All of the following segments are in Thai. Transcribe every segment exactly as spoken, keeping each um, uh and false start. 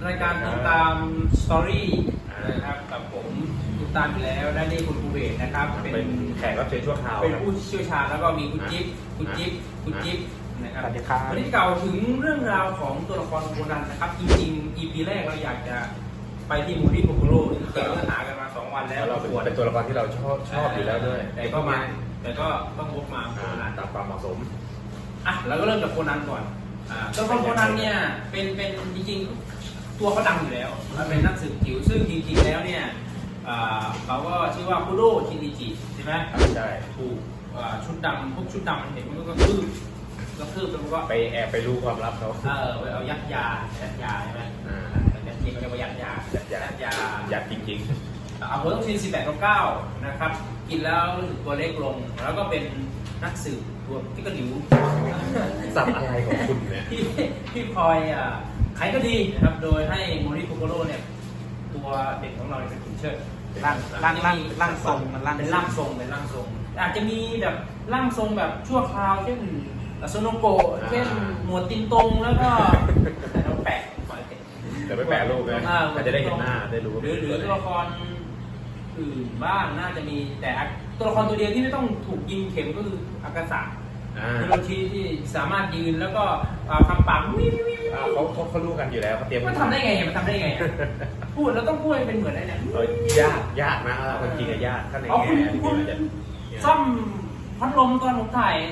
รายการติดตามสตอรี่นะครับกับผมติดตามอยู่แล้วได้นี่คุณภูเบศนะครับเป็นแขกรับเชิญชั่วคราวเป็นผู้เชี่ยวชาญแล้วก็มีคุณจิ๊บคุณจิ๊บคุณจิ๊บนะครับวันนี้เก่าถึงเรื่องราวของตัวละครโคนันนะครับจริงๆ อี พี แรกเราอยากจะไปที่มูรี่โคโคโร่ที่เกิดเนื้อหากันมาสองวันแล้วเราเป็นตัวละครที่เราชอบชอบอยู่แล้วด้วยแต่ก็มาแต่ก็ต้องวกมาโคนันตามความเหมาะสมอ่ะเราก็เริ่มจากโคนันก่อนตัวละครโคนันเนี่ยเป็นเป็นจริงๆตัวเขาดังอยู่แล้วเป็นนักสืบจิ๋วซึ่งจริงๆแล้วเนี่ยเขาก็ชื่อว่าคุโดชินิจิใช่ไหมใช่ถูกชุดดำพวกชุดดำมันเห็นมันก็คืบก็คืบแล้วก็ไปแอบไปรู้ความลับเขาเออไปเอายัดยายัดยาใช่ไหมอ่ายัดจริงก็เรียกว่ายัดยายัดยายัดยายัดจริงๆเอาโพต้องชินสิบแปดเก้านะครับกินแล้วรู้สึกตัวเล็กลงแล้วก็เป็นนักสืบตัวที่กระดิ่วสับอะไรของคุณเนี่ยที่ที่คอยอ่ะใครก็ดีนะครับโดยให้โมริโคโกโร่เนี่ยตัวเด็กของเราเป็นขุนเชิดร่างร่างร่างทรงมันร่างเป็นร่างทรงเป็นร่างทรงอาจจะมีแบบร่างทรงแบบชั่วคราวเช่นโซโนโกะเช่นหมวดตินตงแล้วก็แต่เราแปะแต่ไม่แปะรูปนะอาจจะได้เห็นหน้าได้รู้หรือหรือตัวละครอื่นบ้างน่าจะมีแต่ตัวละครตัวเดียวที่ไม่ต้องถูกยิงเข็มก็คืออากาศะคือโรชิที่สามารถยืนแล้วก็คำปากวิววิวเขาเขาเขารู้กันอยู่แล้วเขาเตรียมมันทำได้ไงมันทำได้ไงพูดแล้วต้องพูดเป็นเหมือนอะไรเนี่ยยากยากนะคนจริงอะยากข้างในแง่ที่มันจะซ่อมพัดลมตอนผมถ่าย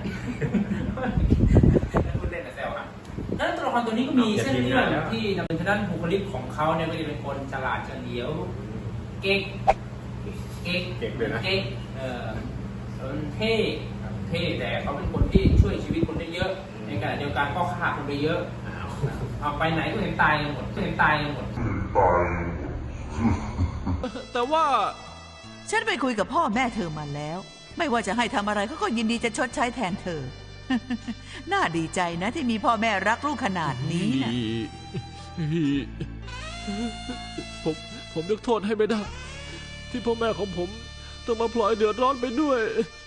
พูดเล่นแต่แซวอ่ะนั้นตัวละครตัวนี้ก็มีเส้นเรื่องที่ดำเนินทางด้านบุคลิกของเขาเนี่ยก็จะเป็นคนฉลาดเฉลียวเก๊กเก๊กเก๊กเลยนะเก๊กเออเท่เท่แต่เขาเป็นคนที่ช่วยชีวิตคนได้เยอะในขณะเดียวกันก็ฆ่าคนไปเยอะเอาไปไหนก็เห็นตายหมดเห็นตายหมดแต่ว่าฉันไปคุยกับพ่อแม่เธอมาแล้วไม่ว่าจะให้ทำอะไรเขาก็ยินดีจะชดใช้แทนเธอ น่าดีใจนะที่มีพ่อแม่รักลูกขนาดนี้นะผมผมยกโทษให้ไม่ได้ที่พ่อแม่ของผมต้องมาพลอยเดือดร้อนไปด้วย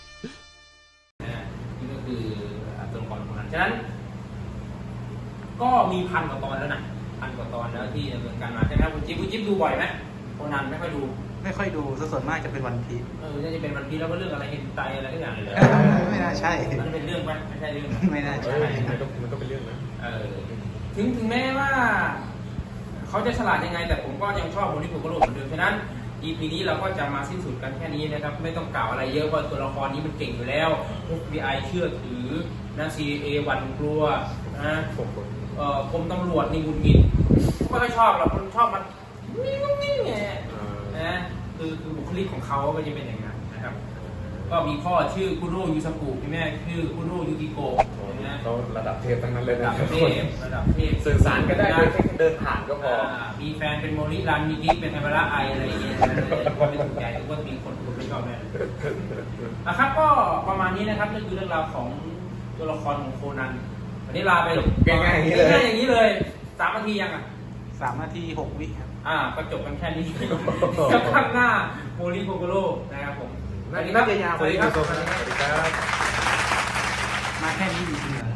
นี่ก็คือตัวละครของนั้นฉะนั้นก็มีพันกว่าตอนแล้วนะพันกว่าตอนแล้วที่ดำเนินการมาใช่ไหมคุณจิ๊บคุณจิ๊บดูบ่อยไหมโคนันไม่ค่อยดูไม่ค่อยดูส่วนมากจะเป็นวันพีชเออจะเป็นวันพีชแล้วก็เรื่องอะไรเห็นใจอะไรทุกอย่างเลยไม่น่าใช่มันเป็นเรื่องไหมไม่ใช่เรื่องไม่น่าใช่มันก็มันก็เป็นเรื่องนะเออถึงถึงแม้ว่าเขาจะฉลาดยังไงแต่ผมก็ยังชอบโมริโคโกโร่เหมือนเดิมฉะนั้น อี พี นี้เราก็จะมาสิ้นสุดกันแค่นี้นะครับไม่ต้องกล่าวอะไรเยอะเพราะตัวละครนี้มันเก่งอยู่แล้ว เอฟ บี ไอ เชื่อถือนะ ซี เอ หวั่นกลัวนะเอ่อกรมตำรวจนี่หงุดหงิดไม่ค่อยชอบหรอกคนชอบมันนี่งนี่ไงนะคือคือบุคลิกของเขาก็จะเป็นอย่างนั้นนะครับก็มีพ่อชื่อคุโร่ยูซากุมีแม่ชื่อคุโร่ยูกิโกะนะเขาระดับเทพทั้งนั้นเลยนะระดับเทพระดับเทพสื่อสารก็ได้โดยแค่เดินผ่านก็พอมีแฟนเป็นโมริรันมีกิ๊กเป็นไฮบาระไออะไรอย่างเงี้ยก็ไม่ถูกใจก็มีคนคนไม่ชอบแน่นะครับก็ประมาณนี้นะครับนั่นคือเรื่องราวของตัวละครของโคนันวันนี้ลาไปง่ายๆอย่างนี้เลยง่ายๆอย่างนี้เลยสามนาทียังอ่ะสามนาทีหกวิครับอ่าก็จบกันแค่นี้กับข้างหน้าโมริโคโกโร่นะครับผมน่าจะยาวๆสวัสดีครับมาแค่นี้จริงๆ